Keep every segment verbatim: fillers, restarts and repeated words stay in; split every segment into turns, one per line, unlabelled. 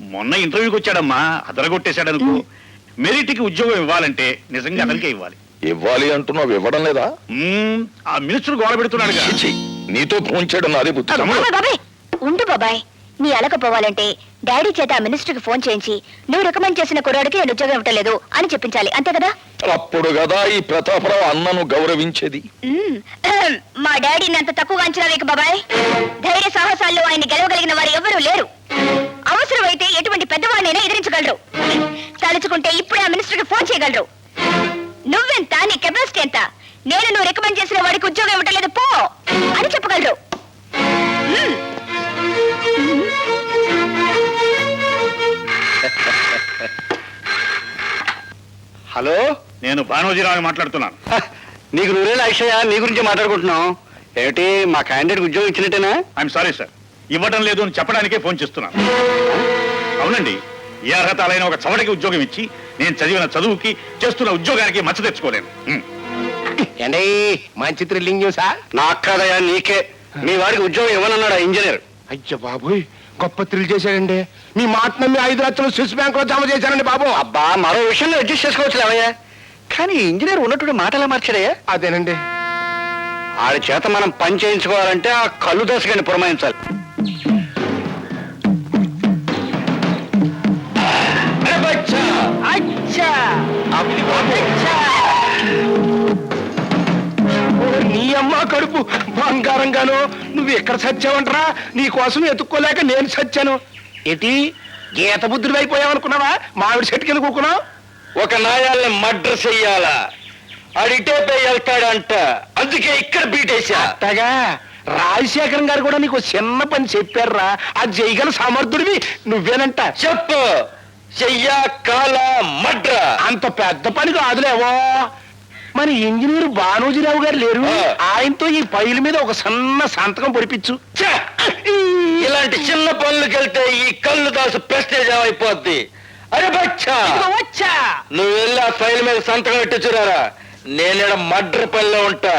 మొన్న ఇంటర్వ్యూకి వచ్చాడమ్మా, అదరగొట్టేశాడనుకో. మెరిట్కి ఉద్యోగం ఇవ్వాలంటే నిజంగా అతనికే ఇవ్వాలి.
ఇవ్వాలి అంటున్నావు, ఇవ్వడం లేదా?
ఆ మినిస్టర్ గోడ పెడుతున్నాడు.
నీతో ఫోన్ చేయడం నాదే బుద్ధి.
ఉండు బాబాయ్, నీ అలకపోవాలంటే డాడీ చేత ఆ మినిస్టర్ కి ఫోన్ చేయించి నువ్వు రికమెండ్ చేసిన కుర్రాడికి నేను ఉద్యోగం ఇవ్వట్లేదు అని చెప్పించాలి, అంతే కదా?
అప్పుడు కదా ఈ ప్రతాపరావు అన్నను గౌరవించేది.
మా డాడీని అంత తక్కువగా అంచనా వేయకు బాబాయ్. ధైర్య సాహసాల్లో ఆయన్ని గెలవగలిగిన వారు ఎవరూ లేరు. అవసరమైతే ఎటువంటి పెద్దవాడినైనా ఎదిరించగలరు. తలుచుకుంటే ఇప్పుడే ఆ మినిస్టర్ కి ఫోన్ చేయగలరు. నువ్వెంత, నీ కెపాసిటీ ఎంత, నేను నువ్వు రికమెండ్ చేసిన వాడికి ఉద్యోగం ఇవ్వట్లేదు పో అని చెప్పగలరు.
హలో, నేను భానోజీరావు మాట్లాడుతున్నాను.
నీకు నువ్వేలా అక్షయ, నీ గురించి మాట్లాడుకుంటున్నాం. ఏమిటి, మా క్యాండిడేట్ ఉద్యోగం ఇచ్చినట్టేనా?
ఐఎమ్ సారీ సార్, ఇవ్వడం లేదు అని చెప్పడానికే ఫోన్ చేస్తున్నాను. అవునండి, ఏ అర్హతలైన ఒక చవటకి ఉద్యోగం ఇచ్చి నేను చదివిన చదువుకి చేస్తున్న ఉద్యోగానికి మచ్చ తెచ్చుకోలేను.
ఏండి మంచి థ్రిల్లింగ్ న్యూసా? నాకు కాదయా, నీకే. మీ వాడికి ఉద్యోగం ఇవ్వనన్నాడు ఇంజనీర్. అయ్యో బాబోయ్, గొప్ప థ్రిల్ చేశాడండి. మీ మాట నమ్మి ఐదు లక్షలు స్విస్ బ్యాంక్ లో జమ చేశానండి బాబు. అబ్బా, మరో విషయంలో అడ్జస్ట్ చేసుకోవచ్చు అవయ్యా, కానీ ఇంజనీర్ ఉన్నట్టు మాట ఎలా మార్చాడయ్యా? అదేనండి, ఆడి చేత మనం పని చేయించుకోవాలంటే ఆ కళ్ళు దశగాని పురమాయించాలి. నీ అమ్మ కడుపు బంగారంగాను, నువ్వు ఎక్కడ చచ్చావంటరా? నీ కోసం ఎత్తుక్కోలేక నేను చచ్చాను. ఏటి గీత బుద్ధుడు అయిపోయావనుకున్నావా? మామిడి చెట్టు కింద కూకున్నావు. ఒక నాయాల్ని మర్డర్ చెయ్యాలా, అడిటే వెళ్తాడంట, అందుకే ఇక్కడ బీటేశా. అట్టగా రాజశేఖరం గారు కూడా నీకు చిన్న పని చెప్పారా? అది చేయగల సమర్థుడివి నువ్వేనంట. చెప్పు, చెయ్యా కాల మడ్ర. అంత పెద్ద పని కాదులేవో. మరి ఇంజనీర్ భానోజీరావు గారు లేరు, ఆయనతో ఈ ఫైల్ మీద ఒక సన్న సంతకం పొడిపించు. ఇలాంటి చిన్న పనులకు వెళ్తే ఈ కళ్ళు దాసు ప్రెస్టేజ్ అయిపోద్ది. అరే బచ్చా, నువ్వు వెళ్ళి ఆ ఫైల్ మీద సంతకం పెట్టించురారా, నేను మడ్ర పనిలో ఉంటా.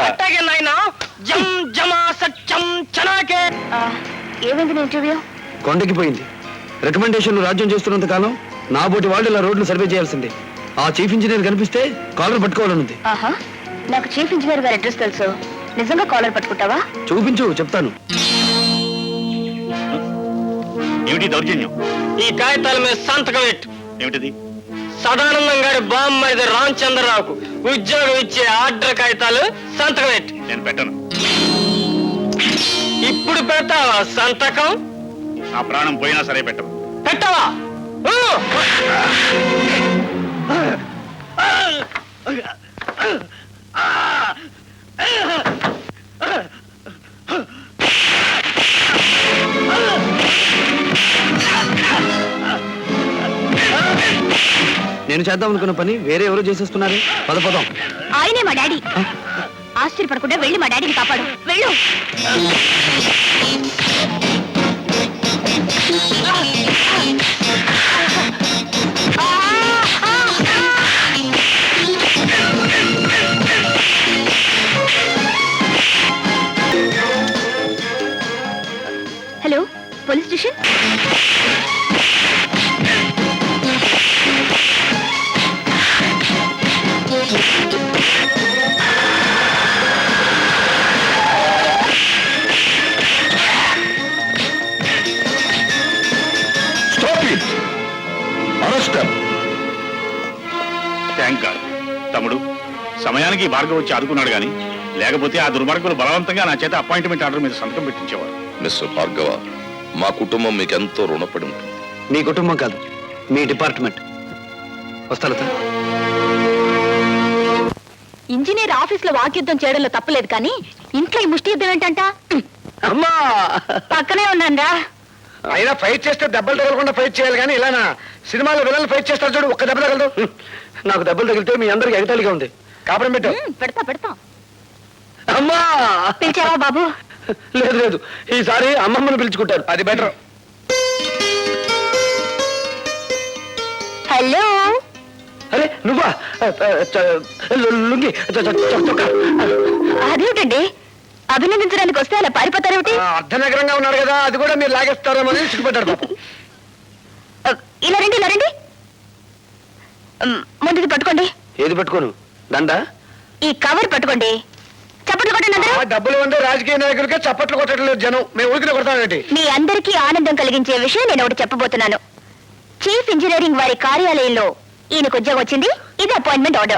ఏమైంది ఇంటర్వ్యూ?
కొండకి పోయింది. రికమెండేషన్లు రాజ్యం చేస్తున్నంత కాలం నా బోటి వాళ్ళు ఇలా రోడ్లు సర్వే చేయాల్సిందే. ఆ చీఫ్ ఇంజనీర్ కనిపిస్తే కాలర్ పట్టుకోవాలనుంది.
ఆహా, నాకు చీఫ్ ఇంజనీర్ గారి అడ్రస్ తెలుసు. నిజంగా కాలర్ పట్టుకుంటావా?
చూపించు, చెప్తాను.
ఏమిటి దౌర్జన్యం?
ఈ కాగితాల మీద సంతకం పెట్టు.
ఏమిటిది?
సదానందం గారి బామ్మది రామచంద్రరావుకు ఉద్యోగం ఇచ్చే ఆర్డర్ కాగితాలు సంతకం పెట్టు.
నేను పెట్టను.
ఇప్పుడు పెడతావా సంతకం?
నా ప్రాణం పోయినా సరే పెట్టను.
పెట్టవా?
నేను చేద్దాం అనుకున్న పని వేరే ఎవరో చేసేస్తున్నారు. పద పదం.
ఆయనే మా డాడీ. ఆశ్చర్యపడకుండా వెళ్ళి మా డాడీని కాపాడు. వెళ్ళు. Hello, police station.
Thank god. తమ్ముడు, సమయానికి భార్గవ్ వచ్చి ఆదుకున్నాడు, కానీ లేకపోతే ఆ దుర్మార్గులు బలవంతంగా నా చేత అపాయింట్మెంట్ ఆర్డర్ మీద సంతకం పెట్టించేవారు.
మిస్టర్ భార్గవ, మా కుటుంబం మీకెంతో రుణపడి ఉంటుంది.
మీ కుటుంబం కాదు, మీ డిపార్ట్మెంట్. వస్తాను సార్.
ఇంజనీర్ ఆఫీస్ లో వాక్యుద్ధం చేయడంలో తప్పలేదు, కానీ ఇంట్లో ఈ ముష్టి యుద్ధం ఏంటంట?
అమ్మా,
పక్కనే ఉన్నారా?
అయినా ఫైట్ చేస్తే దెబ్బలు తగలకుండా ఫైట్ చేయాలి, కానీ ఇలానా? సినిమాలో విలన్లు ఫైట్ చేస్తారు చూడు, ఒక్క దెబ్బ తగలదు. నాకు దెబ్బలు తగిలితే మీ అందరికి ఎగతాళిగా ఉంది. కాపురం పెట్టు.
పెడతా పెడతా.
అమ్మా,
పిలిచావా బాబు?
లేదు లేదు, ఈసారి అమ్మమ్మను పిలుచుకుంటారు, అది బెటర్.
హలో.
అరే నువ్వా? లుంగి
అదేమిటండి, అభినందించడానికి వస్తే అలా పారిపోతారేమిటి?
అర్ధనగరంగా ఉన్నారు కదా, అది కూడా మీరు లాగేస్తారేమో అని సిగ్గుపడ్డారు పాపం.
ఇలా రండి ఇలా రండి మ్, ముందుది పట్టుకోండి.
ఏది పట్టుకోను దండ
ఈ కవర్ పట్టుకోండి. చప్పట్లు కొట్టండి అందరూ.
ఆ డబ్బులు ఉండే రాజకీయ నాయకులకే చప్పట్లు కొట్టడం లేదు జనం. మేము ఊరికినే కొడతామేంటి?
మీ అందరికీ ఆనందం కలిగించే విషయం నేను ఒకటి చెప్పబోతున్నాను. చీఫ్ ఇంజనీరింగ్ వారి కార్యాలయంలో ఈయనకు ఉద్యోగం వచ్చింది. ఇది అపాయింట్మెంట్ ఆర్డర్.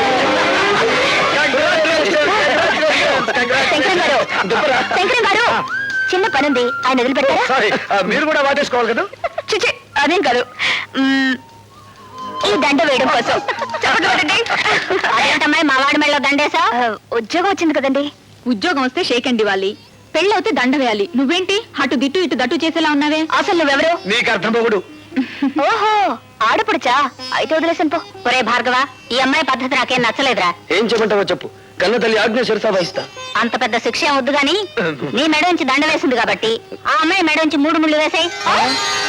శంకరం గారు శంకరం గారు చిన్న పనుంది, ఆయన వదిలిపెట్టారా?
సారీ, మీరు కూడా వాటేసుకోవాలి కదా.
చిచి అదేం కాదు. మ్మ్, ఈ దండ వేయడం కోసం చప్పట్లు కొట్టండి. అదేంటమ్మాయి మా వాడి మెళ్ళలో దండేసా? ఉద్యోగం వచ్చింది కదండి.
ఉద్యోగం వస్తే షేక్ అండ్ ఇవ్వాలి, పెళ్ళవుతే దండ వేయాలి. నువ్వేంటి అటు దిట్టు ఇటు దట్టు చేసేలా ఉన్నావే?
అసలు నువ్వెవరు?
నీకు అర్థం పోగుడు.
ఓహో ఆడపడుచా? అయితే వదిలేసాను పో. ఒరే భార్గవ, ఈ అమ్మాయి పద్ధతి నాకేం నచ్చలేదురా.
ఏం చెప్పంటావో చెప్పు. కన్న తల్లి ఆజ్ఞ శిరసా వహిస్తా.
అంత పెద్ద శిక్ష ఏం వద్దు గాని నీ మెడ నుంచి దండ వేసింది కాబట్టి ఆ అమ్మాయి మెడ నుంచి మూడు ముళ్ళు వేసాయి.